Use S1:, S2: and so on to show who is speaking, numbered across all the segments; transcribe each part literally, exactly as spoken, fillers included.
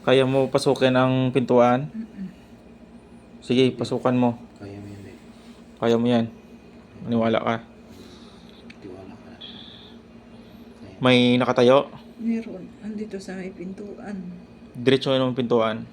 S1: Kaya mo pasukin ang pintuan?
S2: Mm-mm.
S1: Sige, pasukan mo.
S3: Kaya mo yan, eh.
S1: Kaya mo yan. Maniwala ka.
S3: Tiwala ka. Kaya.
S1: May nakatayo?
S2: Meron. Andito sa may pintuan.
S1: Diretso yun ang pintuan.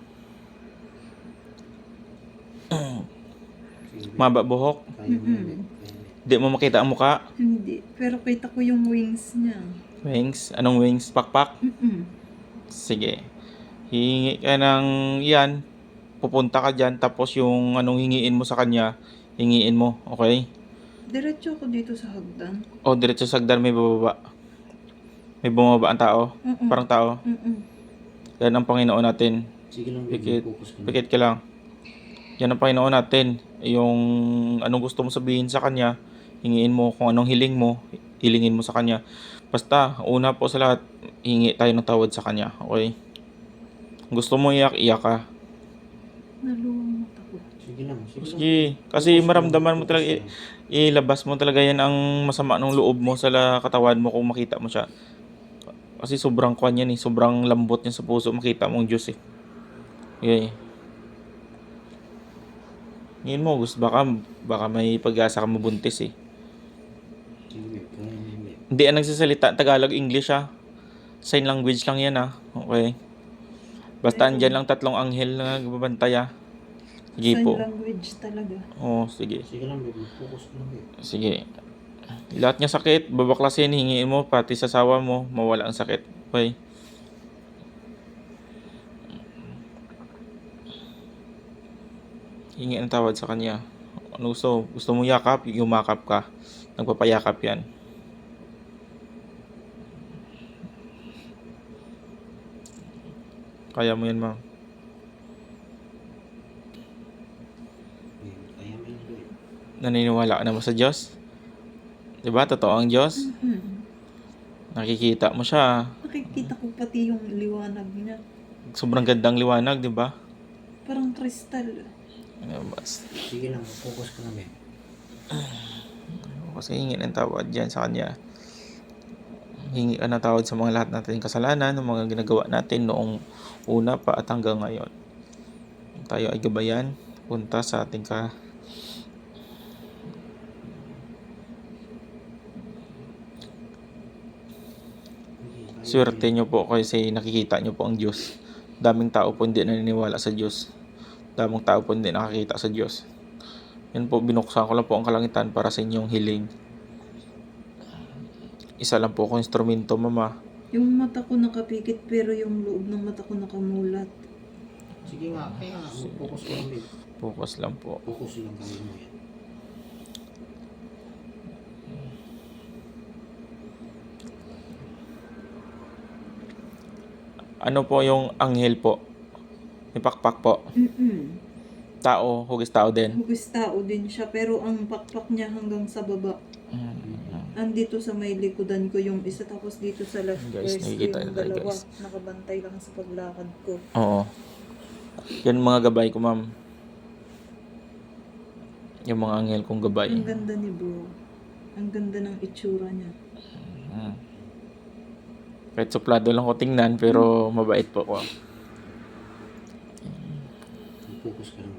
S3: Sige,
S1: Maba buhok?
S3: Kaya mo yan, eh.
S2: Mm-mm.
S3: Kaya mo yan.
S1: Di mo makita ang muka?
S2: Hindi. Pero kita ko yung wings niya.
S1: Wings? Anong wings? Pakpak?
S2: Mm-mm.
S1: Sige. Hihingi ka ng yan. Pupunta ka dyan. Tapos yung anong hingiin mo sa kanya, hingiin mo. Okay?
S2: Diretso ako dito sa hagdan.
S1: O diretso sa hagdan may bababa. May bumaba ang tao.
S2: Mm-mm.
S1: Parang tao.
S2: Mm-mm.
S1: Yan ang Panginoon natin.
S3: Sige lang,
S1: Pikit.
S3: baby. Focus ka na.
S1: Pikit ka lang. Yan ang Panginoon natin. Yung anong gusto mo sabihin sa kanya, hingiin mo. Kung anong hiling mo, hilingin mo sa kanya. Basta, una po sa lahat, hingi tayo ng tawad sa kanya. Okay? Kung gusto mo iyak, iyak ka.
S2: Nalulungot ako.
S3: Sige lang. Sige lang.
S1: Sige. Kasi maramdaman mo talaga, i- ilabas mo talaga yan ang masama ng loob mo sa la- katawan mo kung makita mo siya. Kasi sobrang kwan yan eh. Sobrang lambot niya sa puso. Makita mo ang Diyos eh. Okay. Ngayon mo, gusto baka, baka may pag-asa ka mabuntis eh.
S3: Sige, babe. Kaya mo yan, babe.
S1: Hindi yan nagsasalita. Tagalog, English ah. Sign language lang yan ah. Okay. Basta andyan lang tatlong anghel na nagbabantay ah. Sige
S2: Sign
S1: po.
S2: language talaga.
S1: Oo, sige.
S3: Sige lang, babe. Focus ka lang, babe.
S1: Sige. Lahat niya sakit, babaklasin, hingiin mo, pati sa sawa mo, mawala ang sakit. Okay. Hingi ang tawad sa kanya. Ano gusto? Gusto mo yakap? Yumakap ka. Nagpapayakap yan. Kaya mo yan, ma'am.
S3: Babe, kaya mo yan, babe.
S1: Naniniwala ka naman sa Diyos? Diba? Totoo ang Diyos?
S2: Mm-mm.
S1: Nakikita mo siya.
S2: Nakikita ko pati yung liwanag niya.
S1: Sobrang gandang liwanag, diba?
S2: Parang kristal.
S1: Ano ba?
S3: Sige lang, focus ka lang, babe.
S1: Kasi hingi ng tawad dyan sa kanya. Hingi ka ng tawad sa mga lahat natin kasalanan, ng mga ginagawa natin noong una pa at hanggang ngayon. Tayo ay gabayan, punta sa ating ka
S3: Okay, kaya
S1: swerte
S3: mo yan.
S1: nyo po kasi nakikita nyo po ang Diyos. Daming tao po hindi naniniwala sa Diyos. Daming tao po hindi nakakita sa Diyos. Yan po, binuksan ko lang po ang kalangitan para sa inyong hiling. Isa lang po ako instrumento, mama.
S2: Yung mata ko nakapikit pero yung loob ng mata ko nakamulat.
S3: Sige nga, kaya nga. Focus ka lang, babe.
S1: Focus lang po.
S3: Focus lang, kaya mo yan.
S1: Ano po yung anghel po? May pakpak po.
S2: Mm-mm.
S1: Tao, hugis tao din.
S2: Hugis tao din siya pero ang pakpak niya hanggang sa baba. Andito sa may likodan ko yung isa tapos dito sa left
S1: Guys,
S2: breast ko
S1: nakikita
S2: yung
S1: niyo tayo,
S2: dalawa.
S1: guys.
S2: Nakabantay lang sa paglakad ko.
S1: Oo. Yan mga gabay ko, ma'am. Yung mga anghel kong gabay.
S2: Ang ganda ni bro. Ang ganda ng itsura niya.
S1: Mm. Kahit suplado lang ko tingnan, pero mabait po ko.
S3: Focus ka lang,